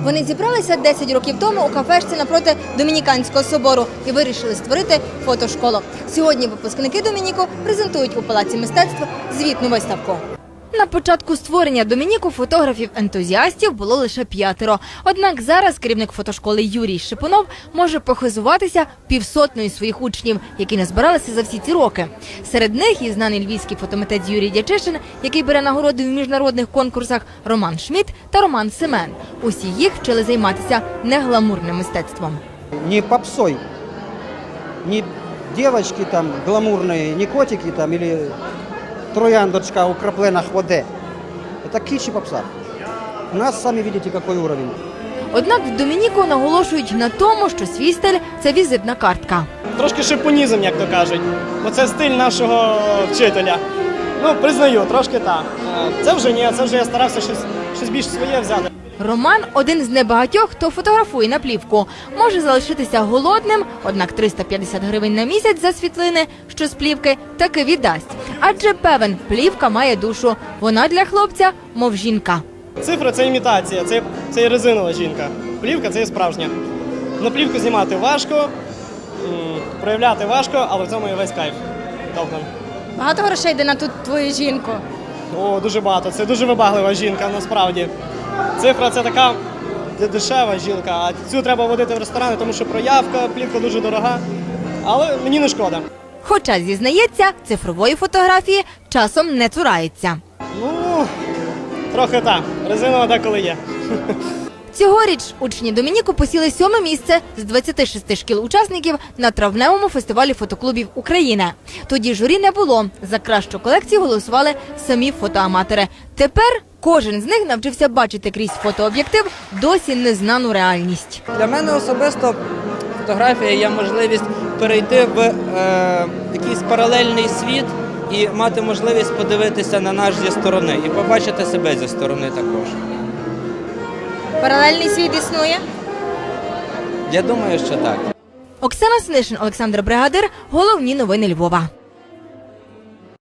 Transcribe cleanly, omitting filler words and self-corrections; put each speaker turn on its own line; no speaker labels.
Вони зібралися 10 років тому у кафешці напроти Домініканського собору і вирішили створити фотошколу. Сьогодні випускники Домініку презентують у Палаці мистецтв звітну виставку. На початку створення Домініку фотографів-ентузіастів було лише 5. Однак зараз керівник фотошколи Юрій Шипунов може похизуватися 500 своїх учнів, які назбиралися за всі ці роки. Серед них і знаний львівський фотомитець Юрій Дячишин, який бере нагороди в міжнародних конкурсах, Роман Шмідт та Роман Семен. Усі їх вчили займатися негламурним мистецтвом.
Не попсой, не девочки там гламурные, не котики там или трояндочка украплена хводе. Это кич и попса. У нас, сами видите, какой уровень.
Однак в Домініку наголошують на тому, що свій стиль – це візитна картка.
Трошки шипунізм, як то кажуть, бо це стиль нашого вчителя. Ну, признаю, трошки так. Це вже ні, це вже я старався щось більш своє взяти.
Роман – один з небагатьох, хто фотографує на плівку. Може залишитися голодним, однак 350 гривень на місяць за світлини, що з плівки, таки віддасть. Адже певен, плівка має душу. Вона для хлопця – мов жінка.
Цифра – це імітація, це резинова жінка. Плівка – це є справжня. На плівку знімати важко, проявляти важко, але в цьому і весь кайф. Тобто.
Багато грошей йде на ту твою жінку?
О, дуже багато. Це дуже вибаглива жінка, насправді. Цифра – це така дешева жінка, а цю треба водити в ресторани, тому що проявка, плівка дуже дорога, але мені не шкода.
Хоча, зізнається, цифрової фотографії часом не цурається.
Ну, трохи так. Резинова деколи є.
Цьогоріч учні Домініку посіли 7 місце з 26 шкіл-учасників на травневому фестивалі фотоклубів України. Тоді журі не було. За кращу колекцію голосували самі фотоаматори. Тепер кожен з них навчився бачити крізь фотооб'єктив досі незнану реальність.
Для мене особисто фотографія є можливість перейти в якийсь паралельний світ і мати можливість подивитися на нас зі сторони і побачити себе зі сторони також.
Паралельний світ існує?
Я думаю, що так.
Оксана Снишин, Олександр Бригадир. Головні новини Львова.